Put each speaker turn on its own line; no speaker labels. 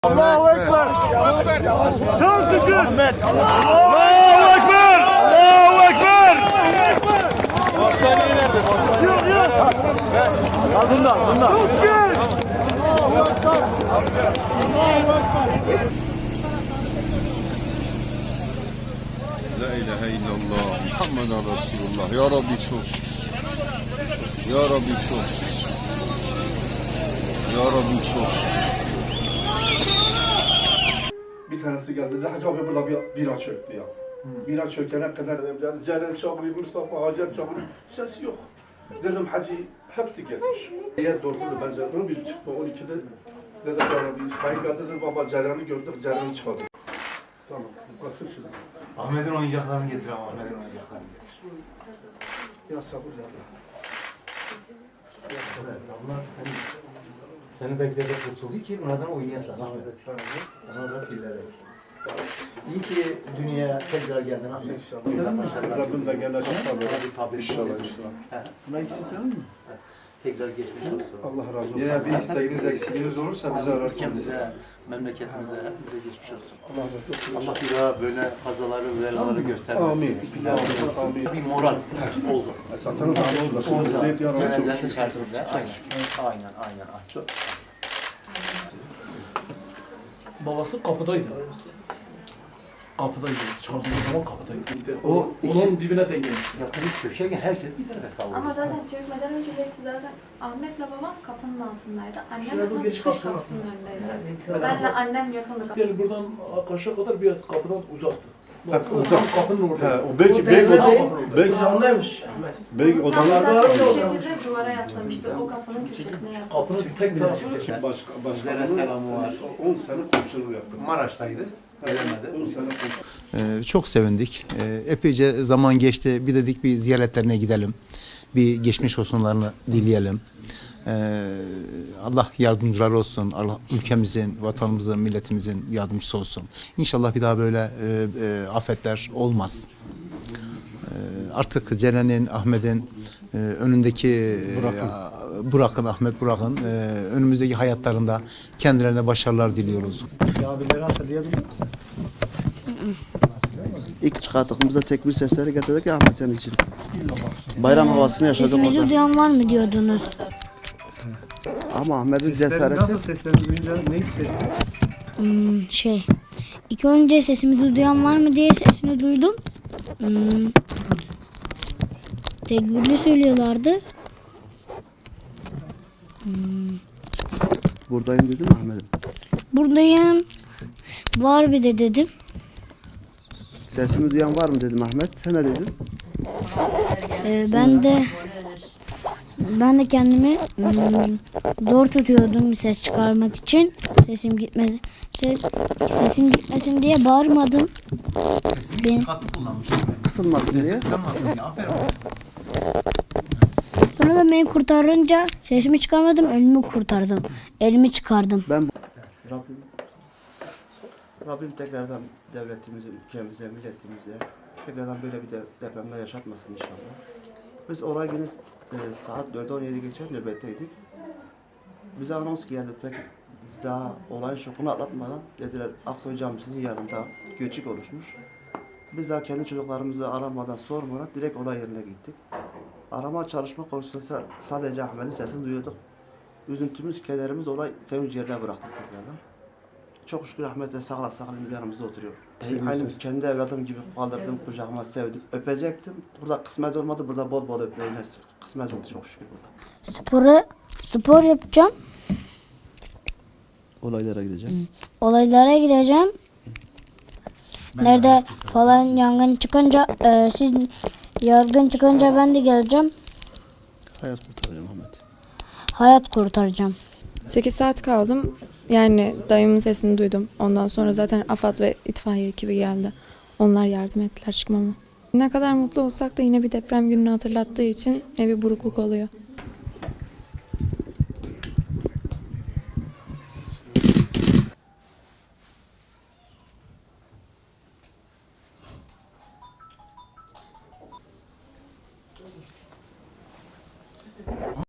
Allahu Ekber. Çok şükür.
Allahu Ekber! Allahu Ekber!
Yok yok. Bunda. Çok şükür.
La ilahe illallah Muhammeden Resulullah. Ya Rabbi çok şükür. Ya Rabbi çok şükür. Ya Rabbi çok şükür.
Bir tanesi geldi dedi, Hacı abi burada bir bira çöktü ya. Bira çökene kadar dedim, Ceren çağırıyor, Mustafa Hacer çağırıyor, ses yok. Dedim Hacı hepsi gelmiş. Eğer doğru dedi, bence 11 çıktı, 12'de dedim ya Rabbi, İsmail geldi dedi, baba Ceren'i gördük, Ceren'i çıkardık. Tamam, basın şimdi.
Ahmet'in oyuncaklarını getir ama Ahmet'in oyuncaklarını getir.
Ya sabır ya Allah.
Seni bekledi kurtuldu ki bunlardan oynayasın Ahmet. Onlardan pillere. İyi ki dünyaya tekrar geldin Ahmet.
İnşallah. Rabbim de gene
Tabii.
İnşallah.
Bunlar ikisi sen mi? Tekrar geçmiş olsun.
Allah razı olsun.
Yine bir isteğiniz, eksiğiniz olursa bizi ararsınız.
Ülkemize, memleketimize, hepimize geçmiş olsun.
Allah razı olsun.
Allah bir daha böyle kazaları, belaları göstermesin.
Amin. Amin.
Bir moral oldu.
Satın da oldu. İzleyip yararlı çok
Cenazenin
şükür.
içerisinde. Aynen. Çok.
Babası kapıdaydı. Kapıdaydı. Çıkardığımız zaman kapıdaydı.
O
Onun dibine denk gelmiş.
Ya tabii çökerken herkes bir tarafa sallıyor.
Ama zaten çökmeden önce hepsi zaten Ahmet'le babam kapının altındaydı. Annem
Şuraya
de
bu
tam
geç
çıkış
kapısına.
kapısının önündeydi.
Yani
Benle annem yakındı.
Yani buradan karşıya kadar biraz kapıdan uzaktı.
Hep
Tam
uzak.
kapının
He,
orada.
o belki belki
Andaymış.
belki
Tam
odalarda
zaten bu şekilde duvara yaslamıştı. O kapının köşesine yaslamıştı.
Kapının tek tarafı
Sizlere selamı var.
10 sene komşuluğu yaptım.
Maraş'taydı. Gelemedi.
10 sene komşuluğu.
Çok sevindik. Epeyce zaman geçti. Bir dedik bir ziyaretlerine gidelim. Bir geçmiş olsunlarını dileyelim. Allah yardımcılar olsun. Allah ülkemizin, vatanımızın, milletimizin yardımcısı olsun. İnşallah bir daha böyle afetler olmaz. Artık Ceren'in, Ahmet'in önündeki Burak'ın, Ahmet Burak'ın önümüzdeki hayatlarında kendilerine başarılar diliyoruz.
Abileri hatırlayabilir misin?
İlk çıkarttığımızda tekbir sesleri getirdik ya Ahmet senin için. Bayram havasını yaşadık
Sesimizi
orada.
duyan var mı diyordunuz?
Ama Ahmet'in
Nasıl
cesareti
seslerini duyunca ne hissettin?
İlk önce sesimizi duyan var mı diye sesini duydum. Tekbirli söylüyorlardı.
buradayım dedim mi Ahmet'im?
Buradayım. Var bir de dedim.
Sesimi duyan var mı dedim Ahmet. Sen ne dedin?
Ben de kendimi zor tutuyordum ses çıkarmak için. Sesim gitmedi. Sesim gitmesin diye bağırmadım.
Kısılmasın diye.
Sonra da beni kurtarınca sesimi çıkarmadım, elimi kurtardım. Elimi çıkardım.
Rabbim tekrardan devletimize, ülkemize, milletimize tekrardan böyle bir depremler yaşatmasın inşallah. Biz oraya yine saat 4'e 17 geçen nöbetteydik. Bize anons geldi peki biz daha olayın şokunu atlatmadan dediler Aksoy Camisi'nin yanında göçük oluşmuş. Biz daha kendi çocuklarımızı aramadan sormadan direkt olay yerine gittik. Arama çalışma konusunda sadece Ahmet'in sesini duyuyorduk. Üzüntümüz, kederimiz olay sevinç yerine bıraktık tekrardan. Çok şükür Ahmet de sağlam yanımızda oturuyor. Aynı kendi evladım gibi kaldırdım, kucağıma sevdim, öpecektim. Burada kısmet olmadı, burada bol bol öpmeyi kısmet oldu çok şükür burada.
Spor yapacağım.
Olaylara gideceğim.
Olaylara gideceğim. Nerede falan yangın çıkınca, siz yargın çıkınca ben de geleceğim.
Hayat kurtaracağım Ahmet.
Hayat kurtaracağım.
8 saat kaldım. Yani dayımın sesini duydum. Ondan sonra zaten AFAD ve itfaiye ekibi geldi. Onlar yardım ettiler çıkmama. Ne kadar mutlu olsak da yine bir deprem gününü hatırlattığı için yine bir burukluk oluyor.